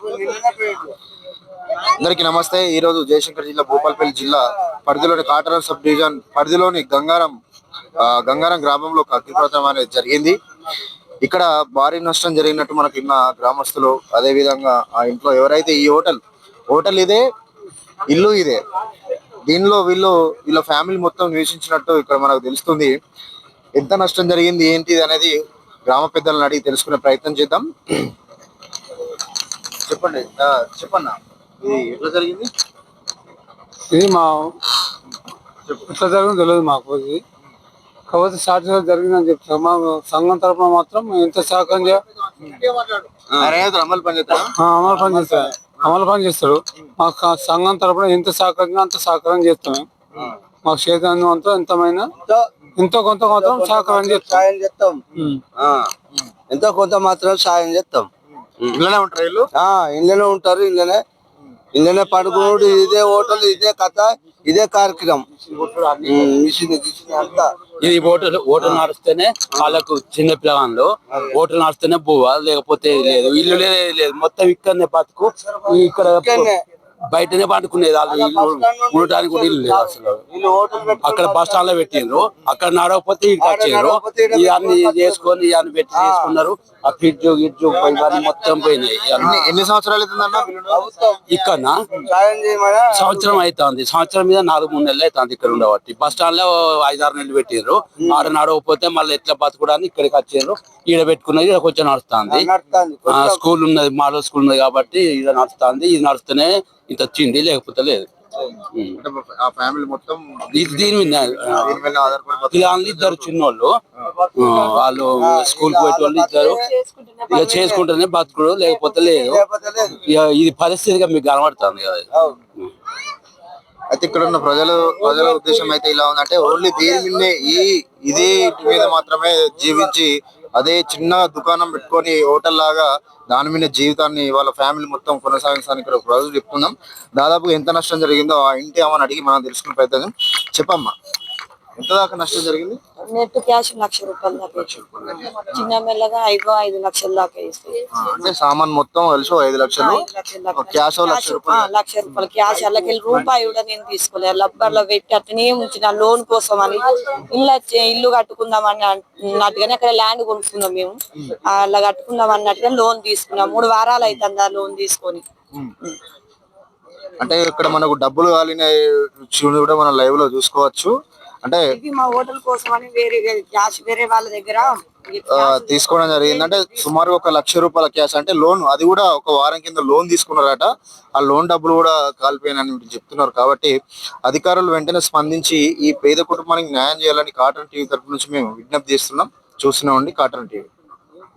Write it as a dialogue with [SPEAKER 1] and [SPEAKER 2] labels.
[SPEAKER 1] అందరికీ నమస్తే. ఈ రోజు జయశంకర్ జిల్లా భూపాలపల్లి జిల్లా పరిధిలోని కాటరం సబ్ డివిజన్ పరిధిలోని గంగారం గ్రామంలో అగ్నిప్రమాదం అనేది జరిగింది. ఇక్కడ భారీ నష్టం జరిగినట్టు మనకి ఇన్న గ్రామస్తులు, అదే విధంగా ఆ ఇంట్లో ఎవరైతే ఈ హోటల్ ఇదే, ఇల్లు ఇదే, దీనిలో వీళ్ళ ఫ్యామిలీ మొత్తం నివసించినట్టు ఇక్కడ మనకు తెలుస్తుంది. ఎంత నష్టం జరిగింది ఏంటిది అనేది గ్రామ పెద్దలను అడిగి తెలుసుకునే ప్రయత్నం చేద్దాం. చెప్పన్నా ఇది ఎట్లా జరిగింది?
[SPEAKER 2] ఇది మా ఎట్లా జరిగింది తెలియదు మాకు. ఇది కాకపోతే షార్ట్ జరిగిందని చెప్తాం. మా సంఘం తరఫున మాత్రం ఎంత సహకారం అమలు పని చేస్తాడు. మా సంఘం తరఫున ఎంత సహకరించినా అంత సహకారం చేస్తాం. మాకు చేతనం అంతా ఎంతమైనా ఎంతో కొంత మాత్రం సహకారం చేస్తాం.
[SPEAKER 3] ఎంతో కొంత మాత్రం సాయం చేస్తాం.
[SPEAKER 1] ఇళ్ళనే ఉంటారు,
[SPEAKER 3] ఇళ్ళనే ఉంటారు, ఇళ్ళనే పడుకున్నాడు. ఇదే హోటల్, ఇదే కథ, ఇదే కార్యక్రమం.
[SPEAKER 4] ఇది ఓటర్ నడిస్తేనే వాళ్ళకు చిన్న పిల్లగాళ్ళు ఓటర్ నడిస్తేనే పోవా, లేకపోతే లేదు. ఇల్లు లేదు, మొత్తం ఇక్కడనే బతుకు. ఇక్కడ బయటనే పండుకునేది. వాళ్ళు ఇల్లు ఉండటానికి కూడా ఇల్లు లేదు అసలు. అక్కడ బస్ స్టాండ్ లో పెట్టిండ్రు, అక్కడ నడవకపోతే ఇంటికి వచ్చారు. ఇవన్నీ చేసుకొని ఇవన్నీ పెట్టి చేసుకున్నారు. ఆ ఫ్రిడ్జ్ గిడ్జ్ ఇవన్నీ మొత్తం పోయినాయి.
[SPEAKER 1] ఎన్ని సంవత్సరాలు
[SPEAKER 4] ఇక్కడ సంవత్సరం అవుతుంది. సంవత్సరం మీద 4-3 నెలలు అవుతుంది ఇక్కడ ఉండబట్టి. బస్ స్టాండ్ లో 5-6 నెలలు పెట్టిండ్రు. ఆడ నడవకపోతే మళ్ళీ ఎట్లా బతుకుడానికి ఇక్కడికి వచ్చారు. ఈడ పెట్టుకున్నది ఇక్కడ కొంచెం నడుస్తుంది. స్కూల్ ఉన్నది, మోడల్ స్కూల్ ఉన్నది కాబట్టి ఈడ నడుస్తుంది. ఇది నడుస్తూనే ఇంత వచ్చింది, లేకపోతే లేదు. దీని మీద ఇద్దరు చిన్నోళ్ళు, వాళ్ళు స్కూల్ కి పోయే వాళ్ళు ఇద్దరు ఇక చేసుకుంటేనే బతుకుడు, లేకపోతే లేదు. ఇది పరిస్థితిగా మీకు కనబడుతుంది కదా.
[SPEAKER 1] అయితే ఇక్కడ ఉన్న ప్రజల ఉద్దేశం అయితే ఇలా ఉందంటే, ఓన్లీ దీని మీదనే ఇదే ఇంటి మీద మాత్రమే జీవించి అదే చిన్న దుకాణం పెట్టుకొని హోటల్ లాగా దాని మీద జీవితాన్ని వాళ్ళ ఫ్యామిలీ మొత్తం కొనసాగించడానికి ఇక్కడ ప్రజలు చెప్తున్నాం. దాదాపు ఎంత నష్టం జరిగిందో ఆ ఇంటి అమ్మని అడిగి మనం తెలుసుకునే ప్రయత్నం. చెప్పమ్మా, ఎంత దాకా నష్టం జరిగింది?
[SPEAKER 5] నెట్ క్యాష్ 1,00,000 రూపాయలు దాకా, చిన్న మెల్లగా 5 లక్షల దాకా ఇస్తాయి.
[SPEAKER 1] అంటే సామాన్ మొత్తం కలిసి 5 లక్షలు క్యాష్, 1,00,000 రూపాయలు.
[SPEAKER 5] 1,00,000 రూపాయలు క్యాష్. అలాగే రూపాయి కూడా నేను తీసుకోలేదు. లబ్బర్లో పెట్టి అట్లనే ఉంచిన లోన్ కోసం అని. ఇల్లు కట్టుకుందాం అన్నట్టుగానే అక్కడ ల్యాండ్ కొనుక్కున్నాం మేము. అలా కట్టుకుందాం అన్నట్టుగా లోన్ తీసుకున్నాం. 3 వారాలు అవుతుంది ఆ లోన్ తీసుకొని.
[SPEAKER 1] అంటే ఇక్కడ మనకు డబ్బులు కాలిన కూడా మనం లైవ్ లో చూసుకోవచ్చు. అంటే
[SPEAKER 5] మా హోటల్ కోసం అని వేరే క్యాష్ వేరే వాళ్ళ దగ్గర
[SPEAKER 1] తీసుకోవడం జరిగింది. అంటే సుమారు 1,00,000 రూపాయల క్యాష్, అంటే లోన్, అది కూడా ఒక వారం కింద లోన్ తీసుకున్నారట. ఆ లోన్ డబ్బులు కూడా కాలిపోయినని చెప్తున్నారు. కాబట్టి అధికారులు వెంటనే స్పందించి ఈ పేద కుటుంబానికి న్యాయం చేయాలని కాటన్ టీవీ తరపు నుంచి మేము విజ్ఞప్తి చేస్తున్నాం. చూస్తున్నామండి కాటన్ టీవీ.